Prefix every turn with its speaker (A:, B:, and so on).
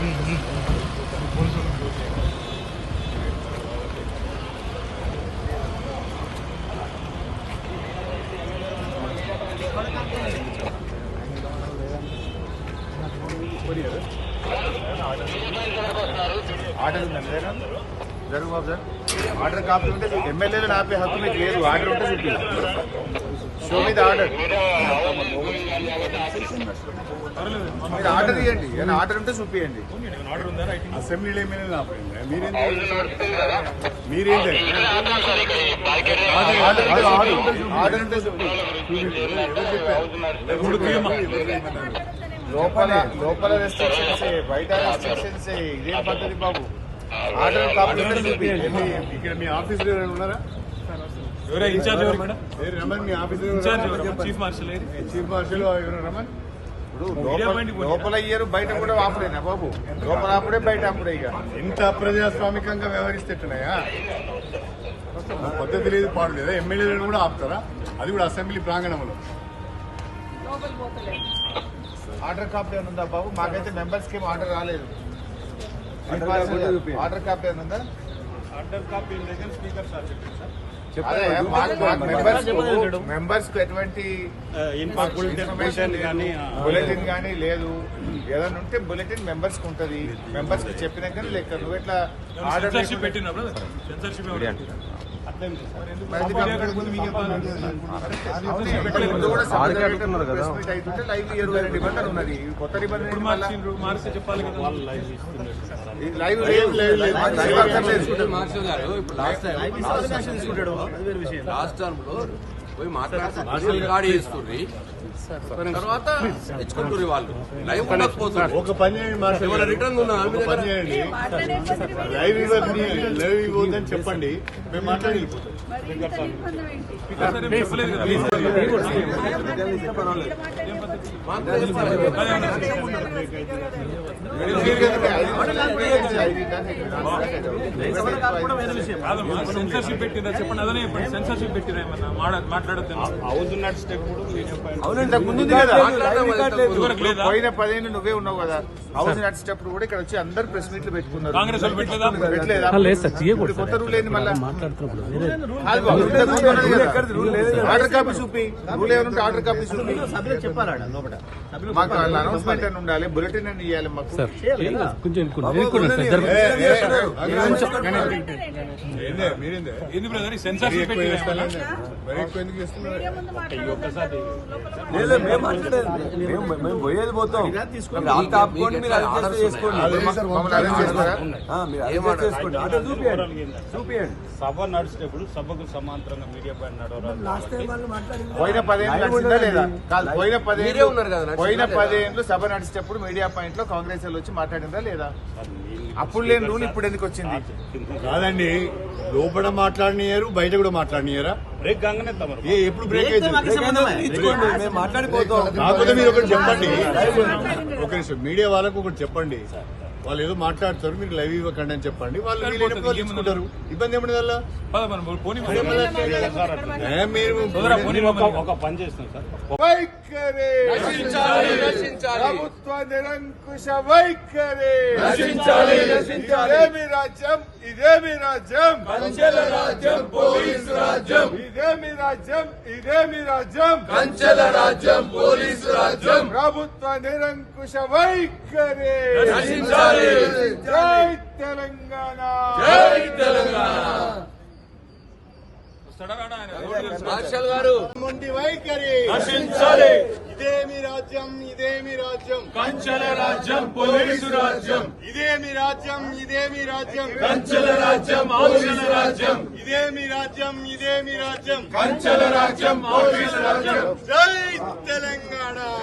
A: Order ఉందండి జరుగు బాబు sir. Order copy ఉంటే ఎమ్మెల్యేలు ఆపే హక్కు మీకు లేదు. ఆర్డర్ ఉంటే చూపి. షో మీద ఆర్డర్. మీరు ఆర్డర్ ఇవ్వండి. ఏమైనా ఆర్డర్ ఉంటే చూపియండి. అసెంబ్లీలో ఎమ్మెల్యేలు ఆపండి. మీరేంటి ఆర్డర్ ఉంటే చూపి. లోపల రెస్ట్రిక్షన్స్, బయట రెస్ట్రిక్షన్స్, ఇదేం పద్ధతి బాబు? ఆర్డర్ కాపీ ఇక్కడ మీ ఆఫీసులో ఉన్నారా? రమన్ మీ ఆఫీసులో చీఫ్ మార్షల్ ఎవరు రమన్? ఇప్పుడు లోపల ఇయ్యరు, బయట కూడా ఆపలేనా బాబు? లోపల ఆపుడే, బయట ఆపుడే. ఇక ఇంత అప్రజాస్వామికంగా వ్యవహరిస్తేట్టున్నాయా? పద్ధతి లేదు, పాడు లేదా? ఎమ్మెల్యేలను కూడా ఆపుతారా? అది కూడా అసెంబ్లీ ప్రాంగణంలో. ఆర్డర్ కాపీ ఏమైనా ఉందా బాబు? మాకైతే మెంబర్స్కి ఏం ఆర్డర్ రాలేదు. ఆర్డర్ కాపీ ఏమైనా ఉందా? Order copy speaker sir members కు ఎటువంటి బులెటిన్ కానీ లేదు. ఏదైనా ఉంటే బులెటిన్ మెంబర్స్ కు ఉంటది. మెంబర్స్ కి చెప్పినాక లెక్క. నువ్వు ఎట్లా ఆర్డర్ లైవ్ 22 నిబంధనలు ఉన్నది. కొత్త
B: లాస్ట్ టర్మ్ లో పోయి మాట్లాడుతున్నారు చేసుకుని తర్వాత తెచ్చుకుంటారు వాళ్ళు. లైవ్ ఉండకపోతుంది.
A: ఒక పని చేయండి,
B: రిటర్న్
A: లైవ్ ఇవ్వద్దని చెప్పండి. మేము మాట్లాడి
C: సెన్సర్షిప్ పెట్టిందా చెప్పండి. అదనే చెప్పండి. సెన్సర్షిప్ పెట్టినా ఏమన్నా మాట్లాడద్దు.
A: అవుతున్నట్టు స్టెప్ పోయిన 10 ఏళ్ళు నువ్వే ఉన్నావు కదా. హౌస్ నాట్ స్టెప్ కూడా ఇక్కడ వచ్చి అందరు ప్రెస్ మీట్లు పెట్టుకున్నారు.
C: కాంగ్రెస్ వాళ్ళు పెట్టలేదా?
A: కొత్త రూల్ ఏంది మళ్ళీ? ఆర్డర్ కాపీ చూపి. రూల్ ఏమైనా ఆర్డర్ కాపీ చూపి. మాకు అనౌన్స్మెంట్ అని ఉండాలి, బులెటిన్ అని ఇవ్వాలి మాకు.
C: సెన్సర్షిప్
B: మేము పోయేది పోతాం. ఆపుకోండి, మీరు అడ్జస్ట్ చేసుకోండి. చూపియండి.
D: సభ నడిచేటప్పుడు సభకు సమాంతరంగా మీడియా పైన
A: పోయిన 10 ఏళ్ళు లేదా? కాదు, పోయిన 10 ఏళ్ళు సభ నడిచేటప్పుడు మీడియా పాయింట్ లో కాంగ్రెస్ వాళ్ళు వచ్చి మాట్లాడిందా లేదా? అప్పుడు లేని రూల్ ఇప్పుడు ఎందుకు వచ్చింది? కాదండి, లోపల మాట్లాడినారు, బయట కూడా మాట్లాడినారా?
D: బ్రేక్ కాగానే
A: ఎప్పుడు బ్రేక్ అయితే
B: మాట్లాడిపోతాం.
A: కాకపోతే మీరు ఒకటి చెప్పండి. ఒక నిమిషం, మీడియా వాళ్ళకు ఒకటి చెప్పండి. వాళ్ళు ఏదో మాట్లాడతారు, మీరు లైవ్ ఇవ్వకండి అని చెప్పండి. వాళ్ళు తీసుకుంటారు. ఇబ్బంది ఏమన్నా వల్ల
D: ఒక పని చేస్తాం సార్.
A: ప్రభుత్వ నిరంకుశ వైఖరి. ఇదేమి రాజ్యం, ఇదేమి రాజ్యం,
B: కంచెల రాజ్యం, పోలీసు రాజ్యం.
A: ఇదేమి రాజ్యం, ఇదేమి రాజ్యం,
B: కంచెల రాజ్యం, పోలీసు రాజ్యం.
A: ప్రభుత్వ నిరంకుశ వైఖరి. జై తెలంగాణ,
B: జై తెలంగాణ. మార్షల్ గారు
A: మొండి వైఖరి
B: నశించాలి.
A: ఇదేమి రాజ్యం, ఇదేమి రాజ్యం,
B: కంచెల రాజ్యం, పోలీసు రాజ్యం.
A: ఇదేమి రాజ్యం, ఇదేమి రాజ్యం,
B: కంచెల రాజ్యం, పోలీసు రాజ్యం.
A: ఇదేమి రాజ్యం, ఇదేమి రాజ్యం,
B: కంచెల రాజ్యం, పోలీసు రాజ్యం.
A: జై తెలంగాణ.